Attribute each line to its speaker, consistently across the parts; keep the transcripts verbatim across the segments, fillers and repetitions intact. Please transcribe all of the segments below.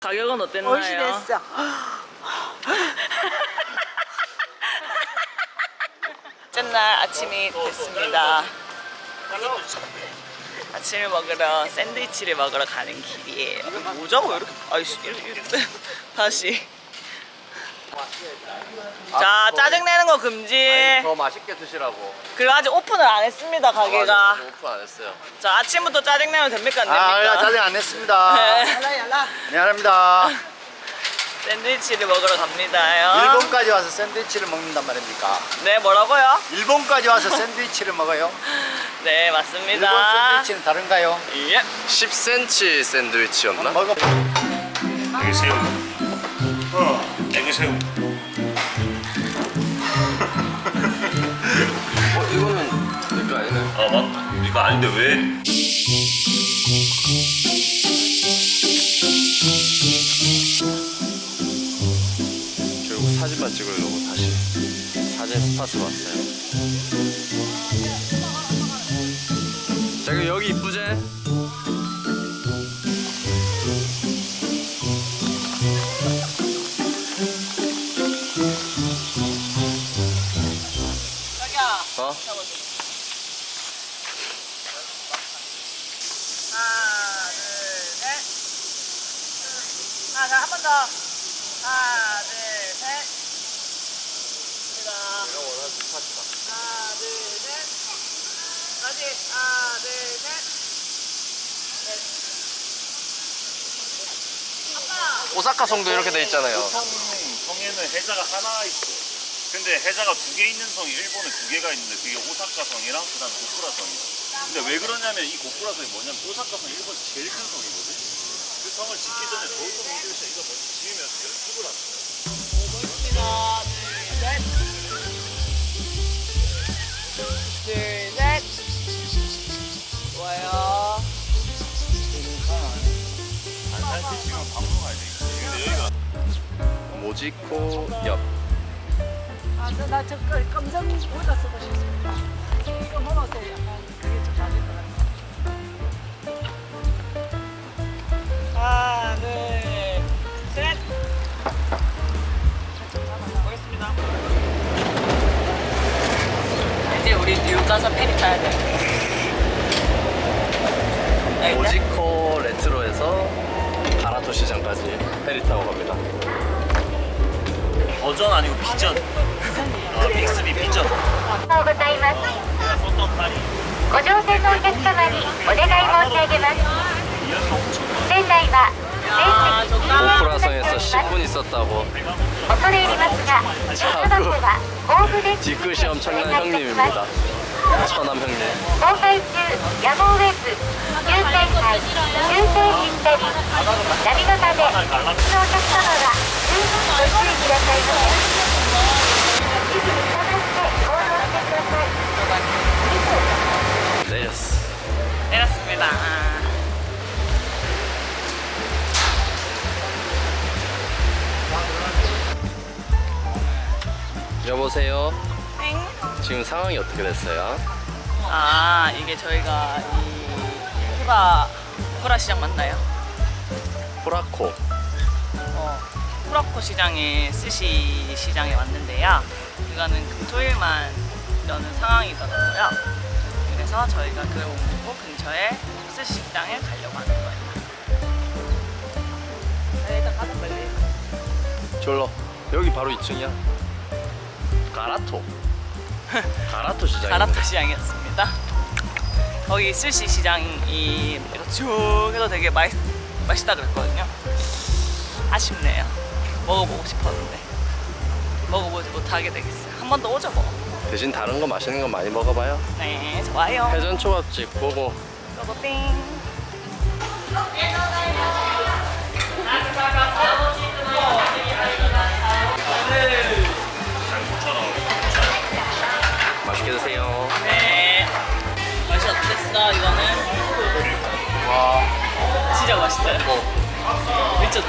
Speaker 1: 가격은 어땠나요?
Speaker 2: 얼씬했어.
Speaker 1: 첫날 아침이 됐습니다. 아침을 먹으러 샌드위치를 먹으러 가는 길이에요. 뭐자고 왜 이렇게 아이씨 이렇게, 이렇게 다시. 자, 짜증내는 거 금지.
Speaker 3: 아니, 더 맛있게 드시라고.
Speaker 1: 그리고 아직 오픈을 안 했습니다, 가게가.
Speaker 3: 아, 맞아, 오픈 안 했어요.
Speaker 1: 자, 아침부터 짜증내면 됩니까? 안
Speaker 3: 아,
Speaker 1: 됩니까?
Speaker 3: 짜증 안 냈습니다.
Speaker 1: 네.
Speaker 2: yar라 yar라.
Speaker 3: 미안합니다.
Speaker 1: 샌드위치를 먹으러 갑니다요.
Speaker 3: 일본까지 와서 샌드위치를 먹는단 말입니까?
Speaker 1: 네, 뭐라고요?
Speaker 3: 일본까지 와서 샌드위치를 먹어요?
Speaker 1: 네,
Speaker 3: 일본
Speaker 1: 맞습니다.
Speaker 3: 샌드위치는 다른가요?
Speaker 1: 예.
Speaker 4: 십 센티미터 샌드위치였나?
Speaker 3: 먹어.
Speaker 5: 애기 새우. 어, 애기 새우.
Speaker 4: 어 이거는 이거 아니네.
Speaker 5: 아, 맞다. 이거 아닌데 왜?
Speaker 4: 결국 사진만 찍으려고 다시 사진 스팟으로 왔어요. 자 그럼 여기 이쁘지?
Speaker 1: 자기야.
Speaker 4: 어?
Speaker 1: 하나, 둘, 셋. 하나, 자, 한 번 더. 하나, 둘, 셋. 갑니다.
Speaker 4: 내가 원하는 스팟이다.
Speaker 1: 하나, 둘, 셋. 다시. 하나, 둘, 셋. 넷. 아빠.
Speaker 4: 오사카 성도 이렇게 돼 있잖아요.
Speaker 5: 성, 성에는 해자가 하나 있어. 근데 해자가 두 개 있는 성이 일본에 두 개가 있는데 그게 오사카 성이랑 그다음 고쿠라 성이야. 근데 왜 그러냐면 이 고쿠라 성이 뭐냐면 오사카 성이 일본 제일 큰 성이거든. 그 성을 짓기 전에 도우토 민들씨 이거 먼저 지으면서 연습을 한 거야.
Speaker 1: 하나, 둘, 셋. 둘, 셋. 좋아요.
Speaker 5: 안산시 지금 방송 가야 되겠지. 근데 여기가
Speaker 4: 모지코 옆.
Speaker 2: 아, 나저 검정 모자 쓰고 싶습니다. 이거 먹어서 약간 그게 좀 맞을 것 같아요.
Speaker 1: 하나, 둘, 셋. 보겠습니다. 이제 우리 뉴욕 가서 페리 타야 돼.
Speaker 4: 모지코 레트로에서 가라토 시장까지 페리 타고 갑니다.
Speaker 5: 버전 아니고 비전. 아, 믹스비 비전.
Speaker 6: おはようございます。
Speaker 5: 어떤 말이?
Speaker 6: ご乗船のお客様にお願い申し上げます。船内は
Speaker 1: 아,
Speaker 6: 全席
Speaker 4: 고쿠라성에서 십 분 있었다고.
Speaker 6: 恐れ入りますが、おそばは豊富です。
Speaker 4: 뒤끝이 엄청난 형님입니다. 처남 형님.
Speaker 6: 航海中、ヤモウェブ、急旋回、急停止したり、ナビ型で、お客様は十分ご注意くださいませ。指示に従って行動してください。
Speaker 4: 내렸어.
Speaker 1: 내렸습니다.
Speaker 4: 여보세요.
Speaker 1: 땡.
Speaker 4: 지금 상황이 어떻게 됐어요?
Speaker 1: 아, 이게 저희가 이 후라 후라 시장 맞나요?
Speaker 4: 후라코.
Speaker 1: 어, 후라코 시장에 스시 시장에 왔는데요. 이거는 금토일만 여는 상황이더라고요. 그래서 저희가 그걸 옮기고 근처에 스시 식당에 가려고 하는 거예요. 네, 일단 가자 빨리.
Speaker 4: 졸로. 여기 바로 이 층이야. 가라토. 가라토 시장.
Speaker 1: 가라토 시장이었습니다. 거기 스시 시장이 이렇게 쭉 해도 되게 맛, 맛있다 그랬거든요. 아쉽네요. 먹어보고 싶었는데 먹어보지 못하게 되겠어요. 한 번 더 오죠 뭐.
Speaker 4: 대신 다른 거 맛있는 거 많이 먹어봐요.
Speaker 1: 네, 좋아요.
Speaker 4: 회전 초밥집 보고.
Speaker 1: 고고 띵.
Speaker 4: 맛있게 드세요.
Speaker 1: 네. 맛이 어땠어 이거는?
Speaker 4: 와.
Speaker 1: 진짜 맛있어요. 미쳤죠?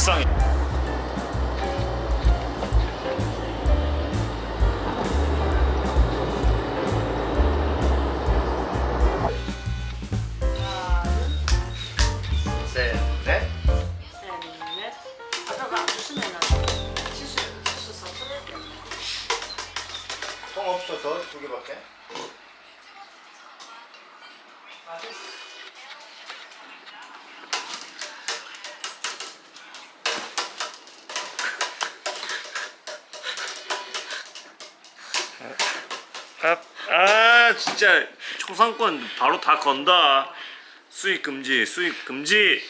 Speaker 5: 식상해.
Speaker 3: 셋, 넷.
Speaker 2: 셋넷 아빠가 안 주시면은 치수 치수 섭섭해.
Speaker 3: 통 없어 더 두 개밖에.
Speaker 5: 아, 아 진짜 초상권 바로 다 건다. 수익 금지, 수익 금지.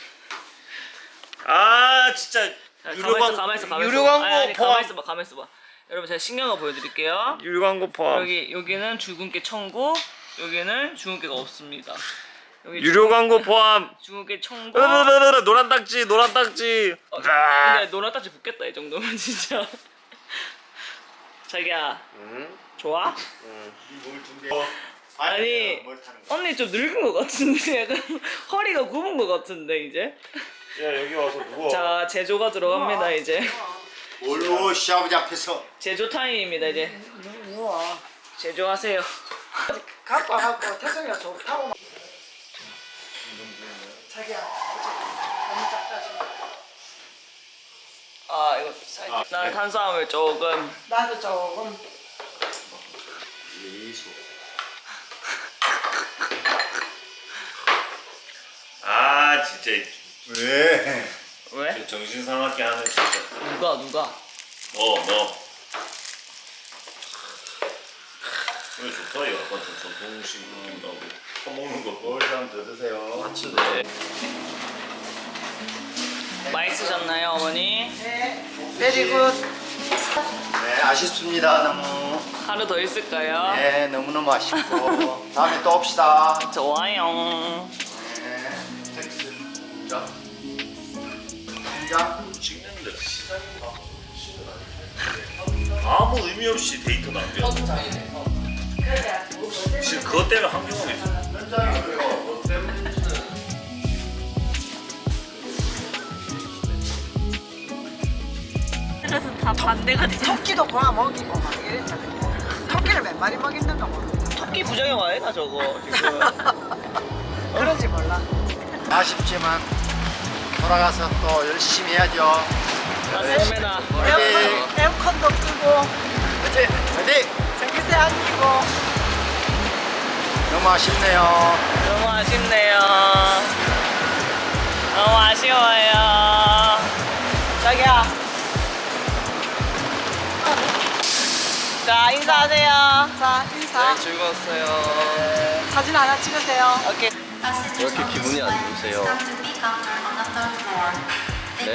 Speaker 5: 아 진짜 유료
Speaker 1: 가만 있어,
Speaker 5: 광
Speaker 1: 가만 있어, 가만 있어.
Speaker 5: 유료 광고
Speaker 1: 아니, 아니,
Speaker 5: 포함.
Speaker 1: 가만 있어봐, 가만 있어봐. 여러분 제가 신기한 거 보여드릴게요.
Speaker 5: 유료 광고 포함.
Speaker 1: 여기 여기는 죽은깨 청구, 여기는 죽은깨가 없습니다. 여기
Speaker 5: 유료 광고 포함.
Speaker 1: 죽은깨 청구.
Speaker 5: 으르르르르 노란 딱지, 노란 딱지.
Speaker 1: 어,
Speaker 5: 아.
Speaker 1: 근데 노란 딱지 붙겠다 이 정도면 진짜. 자기야, 좋아?
Speaker 3: 뭘 준비해?
Speaker 1: 아니
Speaker 3: 뭘 타는 거?
Speaker 1: 언니 좀 늙은 것 같은데 약간 허리가 굽은 것 같은데 이제.
Speaker 5: 야 여기 와서 누워.
Speaker 1: 자 제조가 들어갑니다 이제.
Speaker 3: 뭘로 시아버지 앞에서
Speaker 1: 제조 타임입니다 이제.
Speaker 2: 누워.
Speaker 1: 제조하세요.
Speaker 2: 갖고 와갖고 태성이가 좋다고. 막- 자기야 너무 작다 지금.
Speaker 1: 아 이거 살짝. 난 탄수화물 조금.
Speaker 2: 나도 조금.
Speaker 3: 미소.
Speaker 5: 아 진짜
Speaker 3: 왜?
Speaker 1: 왜?
Speaker 5: 정신 상하게 하는 진짜.
Speaker 1: 누가 누가?
Speaker 5: 너 너. 이거 좋다 이거 약간 좀 전통식 느낌 나고 퍼먹는 거.
Speaker 3: 뭘 좀 더 드세요.
Speaker 1: 네. 맛있으셨나요 어머니?
Speaker 2: 네. 베리 굿.
Speaker 3: 네, 아쉽습니다. 너무.
Speaker 1: 하루 더 있을까요?
Speaker 3: 네, 너무너무 아쉽고. 다음에 또 옵시다.
Speaker 1: 좋아요.
Speaker 3: 네, 텍스. 자. 자.
Speaker 5: 찍는데 시간이 막 아무 의미 없이 데이터 낭비야. 지금 그것 때문에 한경험이
Speaker 3: 현장이고요. 뭐 때문에?
Speaker 1: 그래서 다 반대가 돼.
Speaker 2: 토끼도 고아 먹이고 막 이랬잖아. 토끼를 몇 마리 먹이는가 모르겠어.
Speaker 1: 토끼 부작용 아니야 저거 지금.
Speaker 2: 그런지 몰라.
Speaker 3: 아쉽지만 돌아가서 또 열심히 해야죠.
Speaker 1: 맞습니다.
Speaker 2: 에어컨, 에어컨도 끄고
Speaker 3: 그치? 화이팅!
Speaker 2: 전기세 안 끼고.
Speaker 3: 너무 아쉽네요.
Speaker 1: 너무 아쉽네요. 너무 아쉬워요. 자기야. 자 인사하세요.
Speaker 2: 자 인사.
Speaker 1: 즐거웠어요.
Speaker 2: 사진 하나 찍으세요.
Speaker 1: 오케이.
Speaker 4: 왜 이렇게 기분이 안 좋으세요? 네?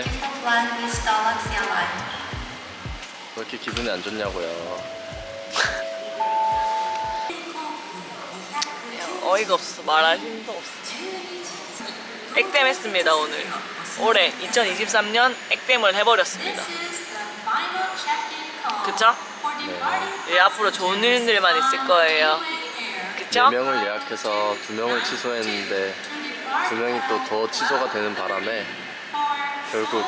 Speaker 4: 왜 이렇게 기분이 안 좋냐고요?
Speaker 1: 어이가 없어. 말할 힘도 없어. 액땜했습니다 오늘. 올해 이천이십삼 년 액땜을 해버렸습니다. 그쵸? 예, 앞으로 좋은 일들만 있을 거예요. 그쵸?
Speaker 4: 네 명을 예약해서 두 명을 취소했는데 두 명이 또 더 취소가 되는 바람에 결국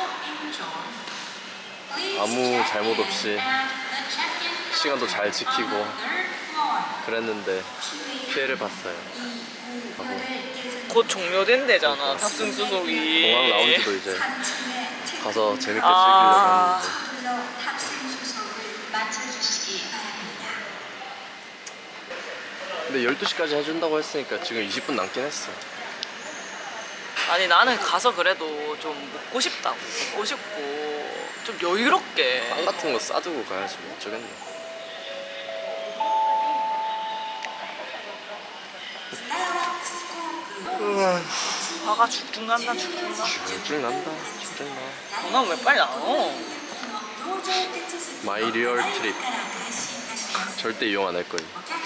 Speaker 4: 아무 잘못 없이 시간도 잘 지키고 그랬는데 피해를 봤어요. 하고
Speaker 1: 곧 종료된대잖아 탑승 수속이.
Speaker 4: 공항 라운지도 이제 가서 재밌게
Speaker 1: 아.
Speaker 4: 즐기려고 했는데 근데 열두 시까지 해준다고 했으니까 지금 이십 분 남긴 했어.
Speaker 1: 아니 나는 가서 그래도 좀 먹고 싶다고. 먹고 싶고 좀 여유롭게.
Speaker 4: 빵 같은 거 싸두고 가야지 뭐 어쩌겠네.
Speaker 1: 화가 죽죽 난다 죽죽 나.
Speaker 4: 쭉쭉 난다 쭉쭉 나.
Speaker 1: 전화 왜 빨리 안 와?
Speaker 4: 마이 리얼 트립 절대 이용 안 할 거예요.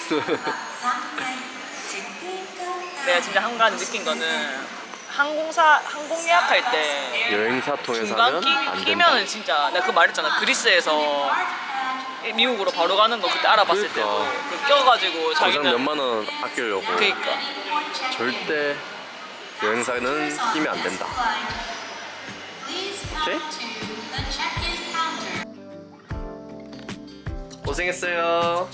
Speaker 1: 내가 진짜 한 가지 느낀 거는 항공사 항공 예약할 때
Speaker 4: 여행사 통해서
Speaker 1: 중간
Speaker 4: 하면
Speaker 1: 끼,
Speaker 4: 안 된다.
Speaker 1: 끼면은 진짜 내가 그 말했잖아. 그리스에서 미국으로 바로 가는 거 그때 알아봤을 때도
Speaker 4: 그러니까.
Speaker 1: 그 껴가지고
Speaker 4: 거기서
Speaker 1: 자기는
Speaker 4: 몇만 원 아끼려고
Speaker 1: 그니까
Speaker 4: 절대 여행사는 끼면 안 된다. 오케이. 고생했어요.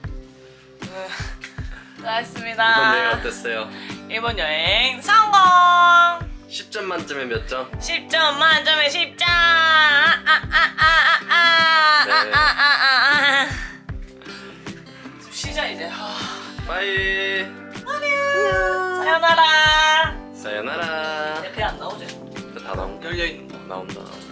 Speaker 1: 수고하셨습니다.
Speaker 4: 이번 여행 어땠어요?
Speaker 1: 이번 여행 성공!
Speaker 4: 십 점 만점에 몇 점?
Speaker 1: 십 점 만점에 십 점! 아, 아, 아, 아, 아,
Speaker 4: 네.
Speaker 1: 아, 아, 아, 아, 아. 좀 쉬자 이제. 아,
Speaker 4: 바이.
Speaker 1: 사요나라.
Speaker 4: 사요나라.
Speaker 1: 내 배 안 나오지?
Speaker 4: 다 나온
Speaker 1: 열려 있는 거.
Speaker 4: 나온다.